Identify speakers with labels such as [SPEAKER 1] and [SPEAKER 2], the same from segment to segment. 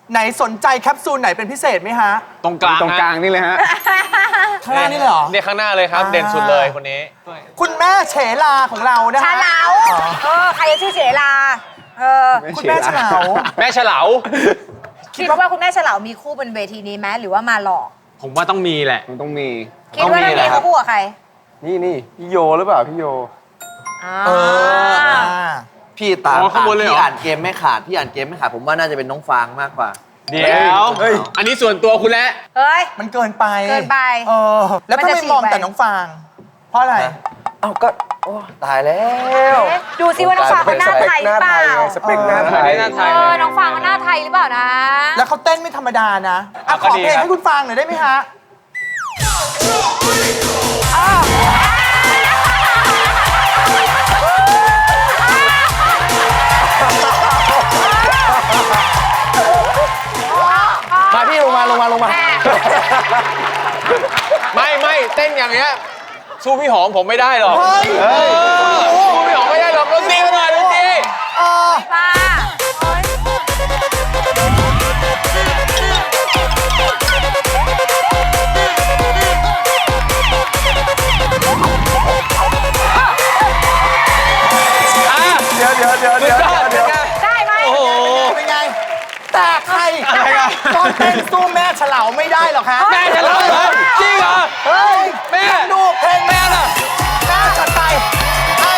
[SPEAKER 1] ไหนสนใจแคปซูลไหนเป็นพิเศษไหมฮะ
[SPEAKER 2] ตรงกลาง
[SPEAKER 3] ตรงกลางนี่เลยฮะ
[SPEAKER 1] ข้างหน้านี่เลยเหรอ
[SPEAKER 2] เนี่ยข้างหน้าเลยครับ เด่นสุดเลยคนนี้
[SPEAKER 1] คุณแม่เฉลาของเรานะ
[SPEAKER 4] ฉ
[SPEAKER 1] ฮะ
[SPEAKER 4] ลาใครจะชื่อเฉลา
[SPEAKER 1] คุณแม่เฉลา
[SPEAKER 2] แม่เฉลา
[SPEAKER 4] คิดว่าคุณแม่เฉลามีคู่บนเวทีนี้ไหมหรือว่ามาหลอก
[SPEAKER 2] ผมว่าต้องมีแหละ
[SPEAKER 3] มันต้องมี
[SPEAKER 4] คิดว่าต้องมีเขาคู่กับใคร
[SPEAKER 3] นี่พี่โยหรือเปล่าพี่โย
[SPEAKER 5] พี่ตาม
[SPEAKER 2] ข้างบนเลยเหรอ
[SPEAKER 5] พี่อ่านเกมไม่ขาดผมว่าน่าจะเป็นน้องฟางมากกว่า
[SPEAKER 2] เดี๋ยว อันนี้ส่วนตัวคุณแล้ว
[SPEAKER 4] เฮ้ย
[SPEAKER 1] มันเกินไป
[SPEAKER 4] เกินไป
[SPEAKER 1] แล้วถ้า
[SPEAKER 4] มันจะ
[SPEAKER 1] ไม่มอง
[SPEAKER 4] ฉีกไป
[SPEAKER 1] แต่น้องฟาง เพราะอะไร
[SPEAKER 5] เอ้าก็โอ้ตายแล้ว
[SPEAKER 4] ดูซิว่าน้องฟางเขาหน้าไทยหรือเปล่า
[SPEAKER 3] สเปคหน้าไทย
[SPEAKER 2] หน้าไทย
[SPEAKER 4] น้องฟางเขาหน้าไทยหรือเปล่านะ
[SPEAKER 1] แล้วเขาเต้นไม่ธรรมดานะอ่ะข
[SPEAKER 2] ก็
[SPEAKER 1] อ
[SPEAKER 2] ดี
[SPEAKER 1] เพลง
[SPEAKER 2] ครับ
[SPEAKER 1] ให้คุณฟางหน่อยได้ไหมฮะ
[SPEAKER 5] มาพี่ลงมา
[SPEAKER 2] ไม่เต้นอย่างเงี้ยสู้พี่หอมผมไม่ได้หรอก
[SPEAKER 1] เฮ้ย
[SPEAKER 2] สู้พี่หอมไม่ได้หรอกดนตรีมาหน่อยดนตรี
[SPEAKER 4] ป้า
[SPEAKER 3] เดี๋ยว
[SPEAKER 4] ได้ไหม
[SPEAKER 2] โอ้โห
[SPEAKER 1] เป็นไง แต่ใคร
[SPEAKER 2] อะไรกัน
[SPEAKER 1] ก็เต้นสู้แม่เฉลาไม่ได้หรอกฮะ
[SPEAKER 2] แม่เฉลาเหรอจริงเหรอ
[SPEAKER 1] เฮ้ย
[SPEAKER 2] แม่
[SPEAKER 1] ดูเพลงแม่น่ะแม่จัดไปเฮ้ย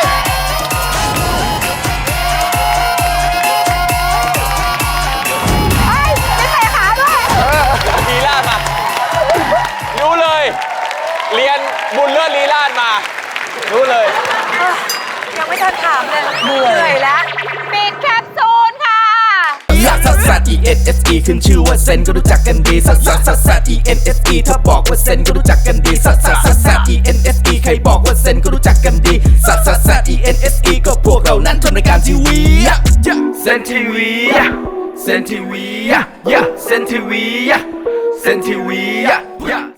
[SPEAKER 4] ไม่ใส่ขาด้วย
[SPEAKER 2] ลีลาดมารู้เลย เรียนบุญเลิศลีลาดมา รู้เลย
[SPEAKER 4] ยังไม่ทันถามเลยเหนื่อยแล้วปิดแคปซูลค่ะ
[SPEAKER 6] ลักซัสซัส E N S E ขึ้นชื่อว่าเซนก็รู้จักกันดีซัสซัสซัสซัส E N S E ถ้าบอกว่าเซนก็รู้จักกันดีซัสซัสซัสซัส E N S E ใครบอกว่าเซนก็รู้จักกันดีซัสซัสซัส E N S E ก็พวกเรานั้นทำรายการทีวีเซนทีวีเซนทีวีเซนทีวีเซนทีวี